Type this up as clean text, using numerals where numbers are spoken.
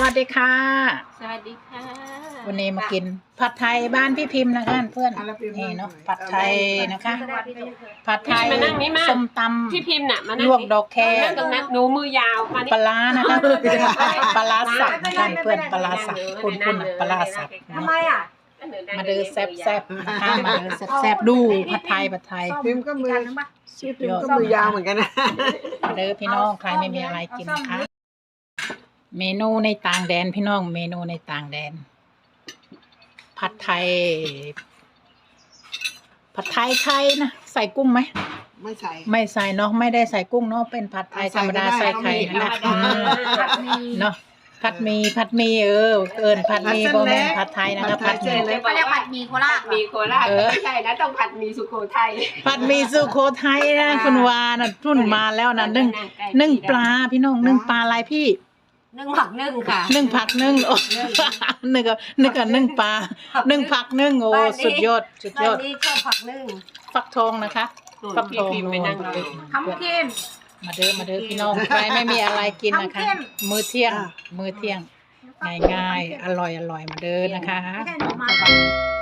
วัสดีค่ะสวัสดีค่ะวันนี้มากินผัดไทยบ้านพี่พิมพ์นะคะเพื่อนนี่เนาะผัดไทยนะคะผัดไทยมานั่งนี่มาส้มตพี่พิมพ์น่ะมาำนั่งลวกดอกแคนั่งตรงนั้นหนูมือยาวมานี่ปลาร้านะคะปลาร้าสับนะคะเพื่อนปลาร้าสับคุณปลาร้าสับทำไมอ่ะมาเดินแซ่บๆนะคะมาเดินแซ่บๆดูผัดไทยพิมพ์ก็มือชื่อพิมพ์ก็มือยาวเหมือนกันนะมาเดินพี่น้องใครไม่มีอะไรกินนะคะเมนูในต่างแดนพี่น้องเมนูในต่างแดนผัดไทยไทยนะใส่กุ้งไหมไม่ใส่ไม่ใส่เนาะไม่ได้ใส่กุ้งเนาะเป็นผัดไทยธรรมดาใส่ไข่นะเนาะผัดหมีผัดผัดหมีโบแมนผัดไทยนะคะผัดหมีเขาเรียกผัดหมี่โคราชมีโคราชไม่ใช่นะต้องผัดหมีสุโขทัยผัดหมีสุโขทัยนะคุณวานะรุ่นมาแล้วนะนึ่งปลาพี่น้องนึ่งปลาอะไรพี่นึ่งผักนึ่งค่ะนึ่งผักนึ่งโอ้นึ่งกับนึ่งปลานึ่งผักนึ่งโอ้สุดยอดบ้านนี้ชอบผักนึ่งฟักทองนะคะฟักทองไปนั่งดูทำเข้มมาเด้อพี่น้องใครไม่มีอะไรกินนะคะ มื้อเที่ยงง่ายๆอร่อยมาเด้อนะคะไม่ใช่หนูมา